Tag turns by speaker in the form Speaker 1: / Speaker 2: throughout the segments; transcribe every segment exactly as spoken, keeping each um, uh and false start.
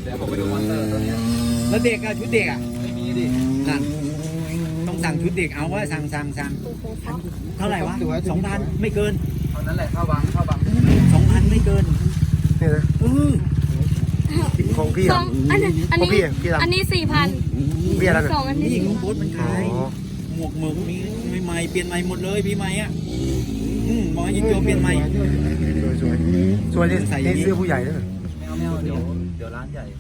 Speaker 1: เดี๋ยวผมไปดูมอนเตอร์ตัวนี้
Speaker 2: แล้วเด็กอะชุดเด็กอะ
Speaker 1: ไม่มีดิ
Speaker 2: นั่นต้องสั่งชุดเด็กเอาว่าสั่งสั่งสั่งเท่าไหร่วะสองพันไม่เกิน
Speaker 1: เท่านั้นแหละเข้าบังเข้าบัง
Speaker 2: สองพันไม่เกิน
Speaker 3: นี่นะของพี่อ่ะ
Speaker 4: อันนี้อันนี้อันนี้สี่พัน
Speaker 3: พี่อะไร
Speaker 4: สองอันนี้
Speaker 2: นี่ของโบ๊ทมันขายหมวกหมึกมีใหม่เปลี่ยนใหม่หมดเลยพี่ใหม่อ่ะอืมมอยินโยเปลี่ยนใหม่
Speaker 3: สวยสวยสวยนี่ใส่เสื้อผู้ใหญ่ด้วย
Speaker 1: ไม่เอาไม่เอาเดี๋ยวเดี๋ยวร้านใหญ่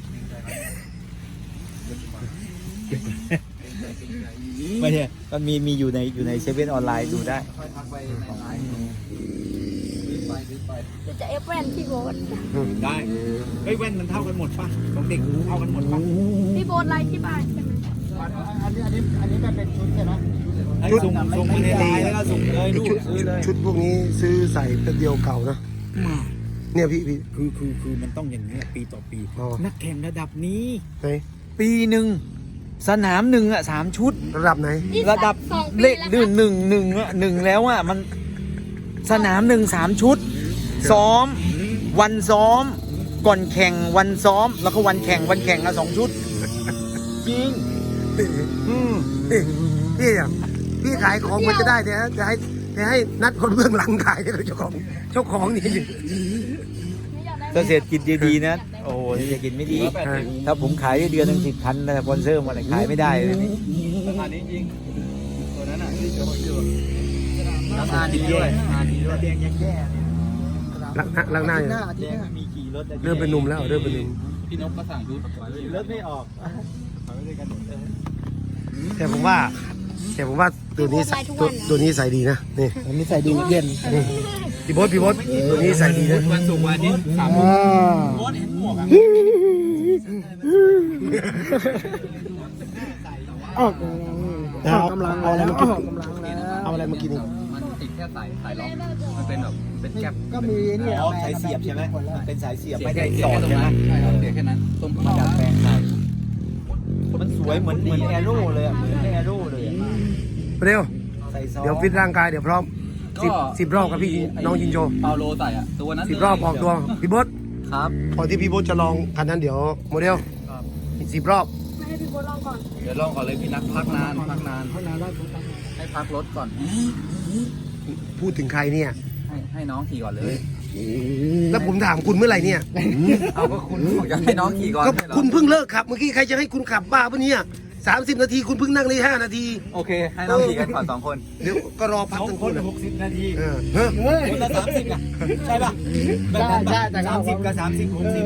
Speaker 2: ไม่ใช่มันมีมีอยู่ในอยู่ในเซเว่นออนไลน์ดูได้
Speaker 1: ค่อยทักไปในไลน์ไปไป
Speaker 4: จะเอฟแว่นพี่โบ๊ท
Speaker 2: ได้เฮ้ยแว่นมันเท่ากันหมดป่ะของเด็กเท่ากันหมดป่ะ
Speaker 4: พี่โบ๊ทไลน์ที่บ้านใช่ไหม
Speaker 5: อันนี้อันนี้อันนี้มันเป็นชุดใช่ไหม
Speaker 2: ชุดส่งส่งไปในไลน์แล้วก็ส่งเลยดูซื้อเลย
Speaker 3: ชุดพวกนี้ซื้อใส่แป๊บเดียวเก่านะเนี่ยพี่พี่
Speaker 2: คือคือคือมันต้องอย่างนี้ปีต่อปีนักแข่งระดับนี้
Speaker 3: ไหน
Speaker 2: ปีหนึ่งสนามหนึ่งอ่ะสามชุด
Speaker 3: ระดับไหน
Speaker 2: ระดับเลขดื้อหนึ่งหนึ่งอ่ะหนึ่งแล้วอ่ะมันสนามหนึ่งสามชุดซ้อมวันซ้อมก่อนแข่งวันซ้อมแล้วก็วันแข่งวันแข่งอ่ะสองชุดจริง
Speaker 3: อืมพี่อ่ะพี่ขายของมันจะได้เนี่ยจะให้จะให้นัดคนเบื้องหลังขายเลยเจ้าของเจ้าของนี่
Speaker 2: ถ้าเศรษฐกิจดีๆนะโอ้เศรษฐกิจไม่ดีถ้าผมขายได้เดือนหนึ่งสิบพันแต่สปอนเซอร์มาเลยขายไม่ได้เลยนี่
Speaker 1: ราคานี้จริงตัวนั้นอ่ะที่โชว์อยู่ราคาดีด้วยราคาดีด้วย
Speaker 2: แดงยังแย่
Speaker 3: ลักลักหน้า
Speaker 2: มีกี่รถ
Speaker 3: เริ่มเป็นหนุ่มแล้วเริ่มเป็นหนุ่ม
Speaker 1: พี่นกก็สั่งชุด
Speaker 2: รถไม่ออก
Speaker 3: แต่ผมว่าแต่ผมว่าตัวนี้ตัวตัวนี้ใส่ดีนะนี่
Speaker 2: อันนี้ใส่ดีเย็น
Speaker 3: นี่พี่บดพี่บดตัวนี้ใส่ดีนะ
Speaker 1: วันศุกร์วันอาทิตย์สามโมงโบ๊ทเห็นหมวกอ่ะ
Speaker 3: ออกกำลังเอาอะไรมากินเอาอะไรมากินนี่
Speaker 1: มันติดแค่สายสายล็อกมันเป็นแบบเป็นแก๊ป
Speaker 5: ก็มีนี่
Speaker 2: อ๋อสายเสียบใช่ไหมมันเป็นสายเสียบไม่ได้สอดใช่ไหม
Speaker 1: ใช่ครับเสียแค่นั้นต้มมาดัดแปลงใส่
Speaker 2: มันสวยเหมือนเหมือนแอโร่เลยเหมือนแอโร่เลย
Speaker 3: เร็วเดี๋ยวฟิตร่างกายเดี๋ยวพร้อมสิบสิบรอบกับพี่น้องจินโจ
Speaker 1: เปาโลใส่อ่ะตัวนั้น
Speaker 3: สิบรอบออกตัวพี่บด
Speaker 1: ครับ
Speaker 3: พอที่พี่บดจะลองคันนั้นเดี๋ยวโมเดลสิบรอบ
Speaker 4: ไม่ให้พี่โบ๊ทลองก่อน
Speaker 1: เดี๋ยวลองก่อนเลยพี่นักพักนานพักนานพักนานได้ให้พักรถก่อน
Speaker 3: พูดถึงใครเนี่ย
Speaker 1: ให้ให้น้องขี่ก่อนเลย
Speaker 3: แล้วผมถามคุณเมื่อไหร่เนี่ย
Speaker 1: เอาก็คุณอยากให้น้องขี่ก่อน
Speaker 3: ก็คุณเพิ่งเลิกขับเมื่อกี้ใครจะให้คุณขับบ้าปะเนี่ยสามสิบนาทีคุณเพิ่งนั่งได้ห้านาที
Speaker 1: โอเคให้น้องขี่กันก่อนสองคน
Speaker 3: เดี๋ยวก็รอพักทั้ง
Speaker 2: คนหกสิบนาที
Speaker 3: เออ
Speaker 2: เฮ้ยคนละสามสิบอ่ะใช่ป่ะ
Speaker 5: ใช่ใช่แต่
Speaker 2: สามสิบกับสามสิบหกสิบ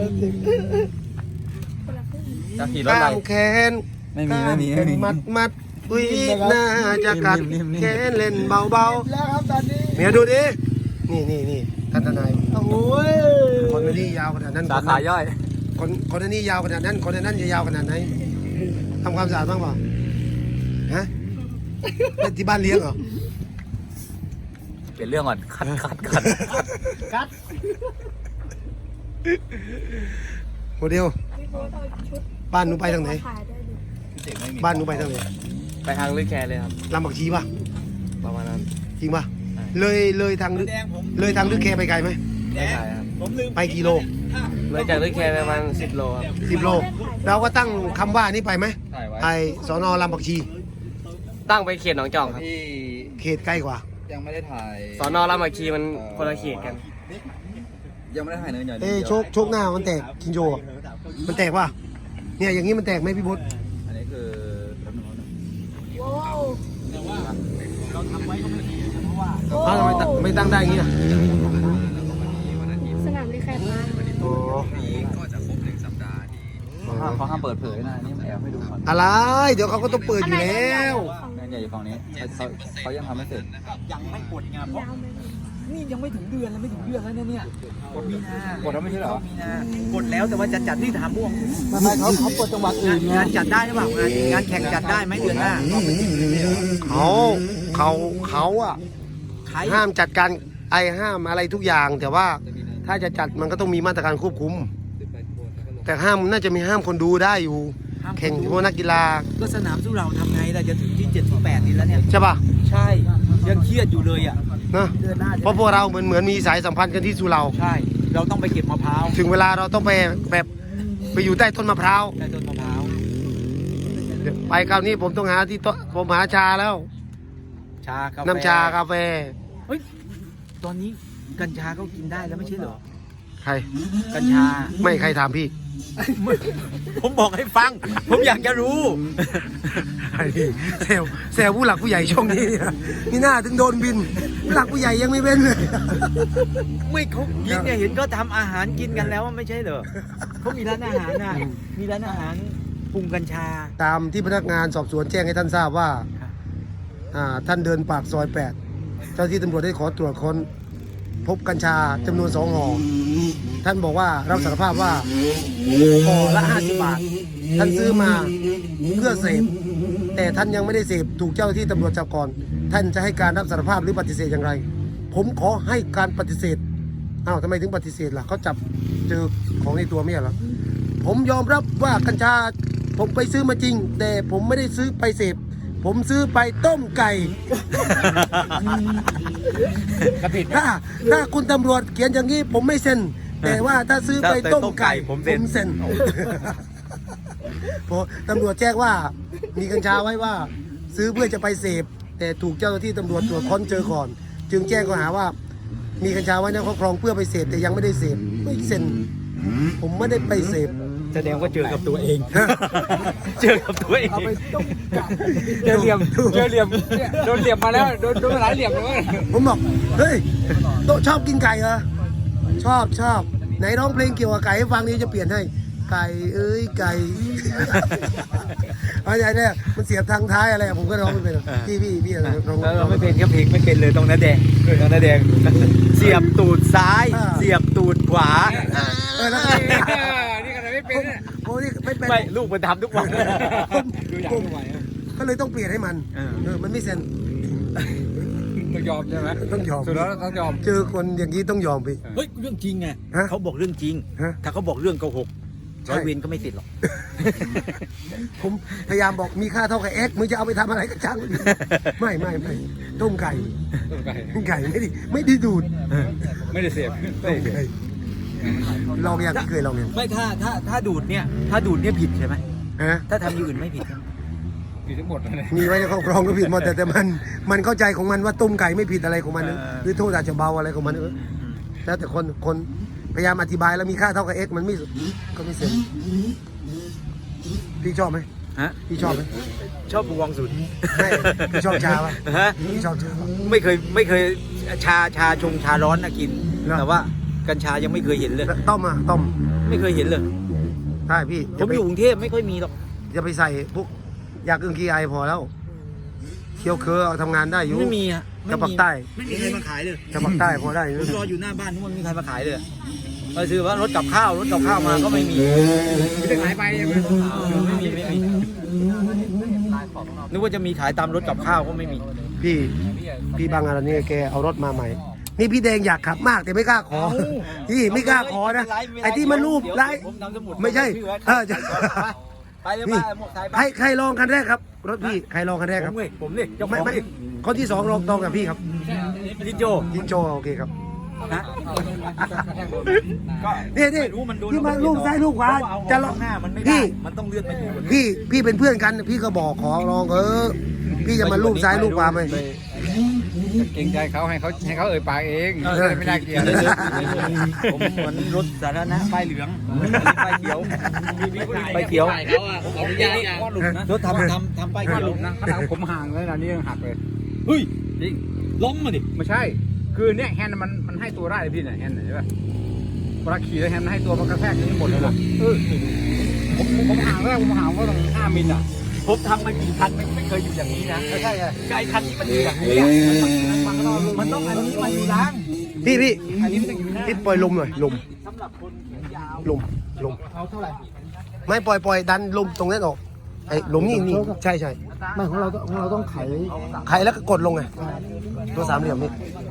Speaker 1: จะขี่รถอะไร
Speaker 3: แขน
Speaker 1: ไม่มีไม่มีไม่มี
Speaker 3: มัดมัดอุ้ยน่าจะกัดแขนเล่นเบาเบา
Speaker 5: แล้วครับตอนนี้
Speaker 3: เมียดูดินี่นี่นี่ท่านทนาย
Speaker 5: โอ้ย
Speaker 3: คนนี้ยาวขนาดนั้น
Speaker 1: สาขาย่อย
Speaker 3: คนคนนี้ยาวขนาดนั้นคนนั้นจะยาวขนาดไหนทำความสะอาดบ้างเปล่าฮะที่บ้านเลี้ยงเหรอ
Speaker 1: เปลี่ยนเรื่องก่อนคัดคัดคัด
Speaker 5: คัด
Speaker 3: โมเดลบ้านหนูไปทางไหนบ้านหนูไปทางไหน
Speaker 1: ไปทางลึกแคเลยครับ
Speaker 3: ลำบักชีป่ะ
Speaker 1: ประมาณนั้น
Speaker 3: จริงป่ะเลยเลยทางลึกเลยทางลึกแคไปไกลไหม
Speaker 1: ไม่ไกลครับ
Speaker 3: ไปกี่โล
Speaker 1: เลยจากลึกแคประมาณสิบโลครับ
Speaker 3: สิบโลเราก็ตั้งคำว่านี่ไปไหมไอสนลำบักชี
Speaker 1: ตั้งไปเขตหนองจอกครับ
Speaker 3: เขตใกล้กว่า
Speaker 1: ยังไม่ได้ถ่ายสนลำบักชีมันคนละเขตกันยังไม่ได้ถ่ายเนื้อใหญ่
Speaker 3: เอ้โชคโชคหน้ามันแตกคินโจมันแตกป่ะเนี่ยอย่างนี้มันแตกไหมพี่บุ๊ด
Speaker 1: อันนี้คือ
Speaker 2: เราทำไว้ก็ไม่ดีเพราะว่า
Speaker 3: เขาทำไมไม่ตั้งได้อย่างนี้อ่ะ
Speaker 4: สนามได้แค่มา
Speaker 3: โอ้
Speaker 1: นี้ก็จะครบหนึ่งสัปดาห์ที่เขาห้ามเปิดเผยนะนี่แอบให้ดูก่อน
Speaker 3: อะไรเดี๋ยวเขาก็ต้องเปิดอยู่แล้ว
Speaker 1: งานใหญ่อยู่ฝั่งนี้เขาเขายังทำไม่เสร็จ
Speaker 2: ยังไม่กดงานเพราะนี่ยังไม่ถึงเดือนแล้วไม่ถึงเดือนแล้วเนี่ยเนี่ยกดมีนาก
Speaker 1: ดแล้วไม่ใช่หรอ
Speaker 2: มีนากดแล้วแต่ว่าจะจัดที่ถามพวก
Speaker 5: ทำไมเขาเขาเปิดจังหวัดอื่น
Speaker 2: งานจัดได้หรือเปล่างานงานแข่งจัดได้ไหมเดือนหน้า
Speaker 3: เขาเขาเขาอ่ะห้ามจัดการไอห้ามอะไรทุกอย่างแต่ว่าถ้าจะจัดมันก็ต้องมีมาตรการควบคุมแต่ห้ามน่าจะมีห้ามคนดูได้อยู่แข่งพวกนักกีฬา
Speaker 2: ก็สนามสู้เราทำไงล่ะจะถึงที่เจ็ดสิบแปดนี่แล้วเนี่ย
Speaker 3: ใช่ป่ะ
Speaker 2: ใช่ยังเครียดอยู่เลยอ่ะ
Speaker 3: นะเพราะพวกเราเหมือนเหมือนมีสายสัมพันธ์กันที่สุเรา
Speaker 2: ใช่เราต้องไปเก็บมะพร้าว
Speaker 3: ถึงเวลาเราต้องไปแบบไปอยู่ใต้ต้นมะพร้าว
Speaker 2: ใต้ต้นมะพร้าว
Speaker 3: เดี๋ยวไปคราวนี้ผมต้องหาที่โต๊ะผมหาชาแล้ว
Speaker 2: ชากาแฟ
Speaker 3: น้ำชากาแฟ
Speaker 2: เฮ้ยตอนนี้กัญชาก็กินได้แล้วไม่ใช่เหรอ
Speaker 3: ใคร
Speaker 2: กัญชา
Speaker 3: ไม่ใครถามพี่
Speaker 2: ผมบอกให้ฟัง ผมอยากจะรู้
Speaker 3: ไอ้นี่เซลเซลผู้หลักผู้ใหญ่ช่วงนี้เนี่ยนี่หน้าถึงโดนบินผู้หลักผู้ใหญ่ยังไม่เว้นเลย
Speaker 2: ไม่เขากินเนี่ยเห็นก็ทำอาหารกินกันแล้วไม่ใช่เหรอเขามีร้านอาหารนะมีร้านอาหารปรุงกัญชา
Speaker 3: ตามที่พนักงานสอบสวนแจ้งให้ท่านทราบว่าอ่าท่านเดินปากซอยแปดเจ้าที่ตำรวจได้ขอตรวจค้นพบกัญชาจำนวนสองห่อท่านบอกว่ารับสารภาพว่าห่อละห้าสิบบาท ท่านซื้อมาเพื่อเสพแต่ท่านยังไม่ได้เสพถูกเจ้าหน้าที่ตำรวจจับก่อน ท่านจะให้การรับสารภาพหรือปฏิเสธอย่างไร ผมขอให้การปฏิเสธอ้าวทำไมถึงปฏิเสธล่ะเขาจับเจอของในตัวไม่ใช่เหรอผมยอมรับว่ากัญชาผมไปซื้อมาจริง แต่ผมไม่ได้ซื้อไปเสพผมซื้อไปต้มไก่
Speaker 2: กระผิด
Speaker 3: ถ้าถ้าคุณตำรวจเขียนอย่างนี้ผมไม่เซ็น แต่ว่าถ้าซื้อไปต้มไก่
Speaker 2: ผมเซ็น
Speaker 3: เซ็นเพราะตำรวจแจ้งว่ามีกัญชาไว้ว่า ซื้อเพื่อจะไปเสพแต่ถูกเจ้าหน้าที่ตำรวจตรวจค้นเจอก่อน จึงแจ้งข้อหาว่า มีกัญชาไว้ในครอบครองเพื่อไปเสพแต่ยังไม่ได้เสพไม่เซ็น ผมไม่ได้ไปเสพ
Speaker 2: แสดงว่าเจอกับตัวเอง เจอกับตัวเอง
Speaker 1: เจอเหลี่ยมเจอเหลี่ยมโดนเหลี่ยมมาแล้วโดนโดนมาหลายเหลี่ยมเลย
Speaker 3: ผมบอกเฮ้ยโต๊ะชอบกินไก่เหรอชอบชอบไหนร้องเพลงเกี่ยวกับไก่ให้ฟังนี้จะเปลี่ยนให้ไก่เอ้ยไก่ อะไรเนี่ยมันเสียบทางท้ายอะไรอะผมก็ร้องไม่เป็นหรอกพี่พี่พี่อะไรร้อง
Speaker 2: เราไม่เป็นครับเพลงไม่เป็นเลยตรงนั้นแดงตรงนั้นแดงเสียบตูดซ้าย เสียบตูดขวา
Speaker 3: เออแล้ว
Speaker 1: นี่ขนาดไม่เป็นเนี่ย
Speaker 3: โอ้นี่ไม่เป็น
Speaker 2: ไม่ลูกมันทำทุกวัน
Speaker 3: ผมผมก็เลยต้องเปลี่ยนให้มัน
Speaker 2: เออ
Speaker 3: เออมันไม่เซ็น
Speaker 1: ต้องยอมใช่ไหม
Speaker 3: ต้องยอม
Speaker 1: สุดแล้วต้องยอม
Speaker 3: เจอคนอย่างนี้ต้องยอมไป
Speaker 2: เฮ้ยเรื่องจริงไง
Speaker 3: ฮะ
Speaker 2: เขาบอกเรื่องจริง
Speaker 3: ฮะ
Speaker 2: ถ้าเขาบอกเรื่องโกหก
Speaker 3: ใช่
Speaker 2: ร้อยเวรก็ไม่ติดหรอก
Speaker 3: ผมพยายามบอกมีค่าเท่ากับเอ็กซ์มึงจะเอาไปทำอะไรก็ช่างมันไม่ไม่ไม่ต้มไก่
Speaker 1: ต้องไป
Speaker 3: ไก่ไม่ได้ไม่ได้ดูด
Speaker 1: ไม่ได้เสียบ
Speaker 3: ต้มไก่ลองอย่างที่เคยลองเนี่ย
Speaker 2: ไม่ถ้าถ้าถ้าดูดเนี่ย ถ้าดูดเนี่ยผิดใช่ไหม
Speaker 3: ฮะ
Speaker 2: ถ้าทำอย่างอื่นไม่ผิดใช่ไหม
Speaker 1: อยู่ทั้งหมดเลย
Speaker 3: มีไว้ในครอบครองก็ผิดหมดแต่แต่มันมันเข้าใจของมันว่าต้มไก่ไม่ผิดอะไรของมันเนอะ
Speaker 2: เออ
Speaker 3: หรือโทษอาจจะเบาอะไรของมันเออแล้วแต่คนคนพยายามอธิบายแล้วมีค่าเท่ากับเอ็กซ์มันไม่ก็ไม่เซ็นพี่ชอบไหม
Speaker 2: ฮะ
Speaker 3: พี่ชอบไหม
Speaker 2: ชอบบวงสุด
Speaker 3: ไม่พี่ชอบชาปะ
Speaker 2: ฮะ
Speaker 3: พี่ชอบชาปะ
Speaker 2: ไม่เคยไม่เคยชาชาชงชาร้อนนะกิน
Speaker 3: เหรอ
Speaker 2: แต่ว่ากัญชายังไม่เคยเห็นเลย
Speaker 3: แล้วต้มอ่ะต้ม
Speaker 2: ไม่เคยเห็นเลย
Speaker 3: ใช่พี่
Speaker 2: ผมอยู่กรุงเทพไม่ค่อยมีหรอก
Speaker 3: จะไปใส่พวกยาอึ้งกีไอพอแล้วเคี้ยวเคอเอาทำงานได้อยู่
Speaker 2: ไม่มีอะไม่
Speaker 3: จะ
Speaker 2: มี
Speaker 3: ปักใต้
Speaker 2: ไม่มีใครมาขายเลย
Speaker 3: จะปักใต้พอได้อยู่
Speaker 2: ผมรออยู่หน้าบ้านทุกวันไม่มีใครมาขายเลยไปซื้อว่ารถกับข้าวรถกับข้าวมาก็ไม่มี
Speaker 1: ไม่ได้หายไปใช่ไหม
Speaker 2: ไม่มีไม่มีนึกว่าจะมีขายตามรถกับข้าวก็ไม่มี
Speaker 3: พี่พี่บางอะไรนี่แกเอารถมาใหม่ นี่พี่แดงอยากขับมากแต่ไม่กล้าขอพี่ไม่กล้าขอนะไอ้ที่มันรูปไล่
Speaker 2: ผมทำสมุด
Speaker 3: ไม่ใช่
Speaker 2: ชื่อไว้
Speaker 3: เออจะ
Speaker 2: ไปเลย
Speaker 3: นี่
Speaker 2: ไปหมวกไทยไป
Speaker 3: ใครใครลองคันแรกครับ รถพี่ใครลองคันแรก
Speaker 2: ผ
Speaker 3: ครับ
Speaker 2: มเลยผมเลยเจ้าข
Speaker 3: ไม่
Speaker 2: อง
Speaker 3: ไม่
Speaker 2: ดิ
Speaker 3: คนที่สองลองตองกับพี่ครับ
Speaker 2: ลิโจ
Speaker 3: ยินโจโอเคครับ
Speaker 2: นะ ก็
Speaker 3: นี่นี่
Speaker 2: ไม่รู้มันดู
Speaker 3: ที่มาลูกซ้ายลูกขวา
Speaker 2: จะ
Speaker 3: จะ
Speaker 2: ล
Speaker 3: ล
Speaker 2: อ
Speaker 3: อง ง
Speaker 2: หน้ามันไม่
Speaker 3: พี่
Speaker 2: ได้มันต้องเลื่อนไปอยู่
Speaker 3: พี่พี่เป็นเพื่อนกันพี่ก็บอกขอลองเออพี่จะมาลูกซ้ายลูกขวาไหม
Speaker 1: เกรงใจเขาให้เขาให้เขาเอ่ยปากเองไม่น่าเกลียด
Speaker 2: ผมเหมือนรถสาธารณะป้ายเหลืองป้ายเขียวป้ายเขียว
Speaker 1: ผมอนุญาตข้อหลุดนะ
Speaker 2: รถทำทำทำป้าย
Speaker 1: ข้อ
Speaker 2: เขียว
Speaker 1: หลุดนะขนาดผมห่างเลยนะนี่ยังหักเลย
Speaker 2: เฮ้ย
Speaker 1: จริง
Speaker 2: ล้มมาดิ
Speaker 1: ไม่ใช่ คือเนี่ยแฮนด์มันมันให้ตัวได้เลยพี่เนี่ยแฮนด์ใช่ป่ะเวลาขี่แล้วแฮนด์มันให้ตัวมันกระแทกนี้หมดเลยนะเออผมผมห่างแรกผมห่างก็ต้องห้ามิลอ่ะ
Speaker 2: ผมทำมากี่คันไม่ไม่เคยอยู่อย่างนี้นะ
Speaker 1: ไม่ใช่ไง
Speaker 2: ไอ้คันนี้มันอยู่อย่างนี้อะมันต้องอันนี้มาอยู่ล้าง
Speaker 3: พี่พี่
Speaker 2: อันนี้มันต้องอยู่หน้า
Speaker 3: พี่ปล่อยลมหน่อยลม
Speaker 2: สำหรับคนแขนยาว
Speaker 3: ลมลม
Speaker 5: เอาเท่าไหร่
Speaker 3: ไม่ปล่อยปล่อยดันลมตรงนั้นออกไอ้ลมนี่นี่ใช่ใช่
Speaker 5: ไม่ของเราต้องของเราต้องไข
Speaker 3: ใครแล้วก็กดลงไงตัวสามเหลี่ยมนี่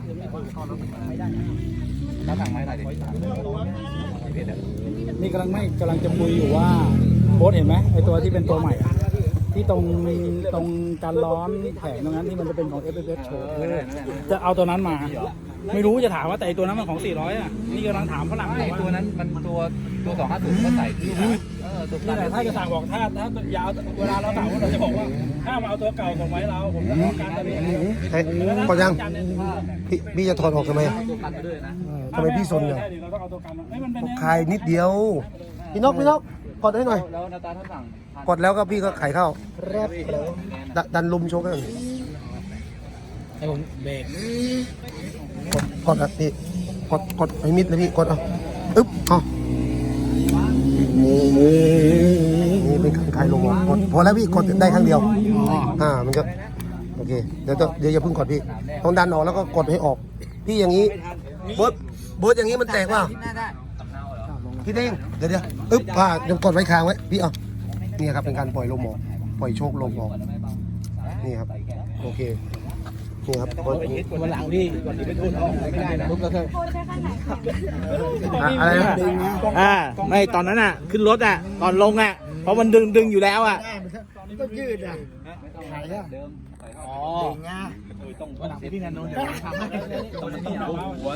Speaker 1: น้ำหนักไม่ได้ดิ
Speaker 5: นี่กำลังไม่กำลังจะคุยอยู่ว่าโบสเห็นไหมไอตัวที่เป็นตัวใหม่อะที่ตรงตรงการล้อมแผงตรงนั้นที่มันจะเป็นของ เอฟ เอฟ เอส โชว์จะเอาตัวนั้นมา ไม่รู้จะถามว่าแต่ไอ้ตัวนั้นมันของสี่ร้อยอ่ะนี่กำลังถามฝรั่ง
Speaker 1: ไม่
Speaker 5: ว่า
Speaker 1: ตัวนั้นมันตัวตัวสองห้าศูนย์ก็ใส่ที่
Speaker 5: นี่แหละถ้าจะสั่งบอกถ้าถ้ายาวเวลาเราสั่งเราจะบอกว่าถ้ามาเอาตัวเก่าส่งไว้เราผมจะต้องการตัวนี้
Speaker 3: เฮ้ยพอยังพี่พี่จะถอดออกทำไมทำไมพี่สน
Speaker 5: เนี่
Speaker 3: เนี่ย ย
Speaker 5: เราต้องเอาตัวกันไม่มันเป็น
Speaker 3: คลายนิดเดียวพี่นกพี่นกกดให้หน่อย
Speaker 1: แล้วนาตาท่านสั่ง
Speaker 3: กดแล้วก็พี่ก็ไขเข้าแรบแล้วดันลุมโชกกัน
Speaker 5: ให้ผมเบรก
Speaker 3: กดกดอ่ะพี่กดกดให้มิดเลยพี่กดเอาอึ๊บเอานี่เป็นคลายลงกดพอแล้วพี่กดได้ครั้งเดียวอ่ามันก็โอเคเดี๋ยวเดี๋ยวอย่าเพิ่งกดพี่ต้องดันออกแล้วก็กดให้ออกพี่อย่างนี้เบิร์ดเบิร์ดอย่างนี้มันแตกเปล่าพี่เด้งเดี๋ยวเดี๋ยวอึ๊บอ่ายังกดไว้ค้างไว้พี่เอานี่ครับเป็นการปล่อยลมออกปล่อยโชคลมออกนี่ครับโอเคนี่ครับ
Speaker 5: วันหลังพี่วันนี้ไปพูดไม่ได้นะ
Speaker 4: โบใช้ขั้นไหนคะ
Speaker 3: อะไรนะ
Speaker 6: อ่าไม่ตอนนั้นอ่ะ ขึ้นรถอ่ะ ตอนลงอ่ะ เพราะมันดึงดึงอยู่แล้วอ่ะ
Speaker 5: ต้องยืดอ่ะ
Speaker 6: อ๋อ
Speaker 5: วันหลังพี่นันโน้นเดี๋ยวทำให้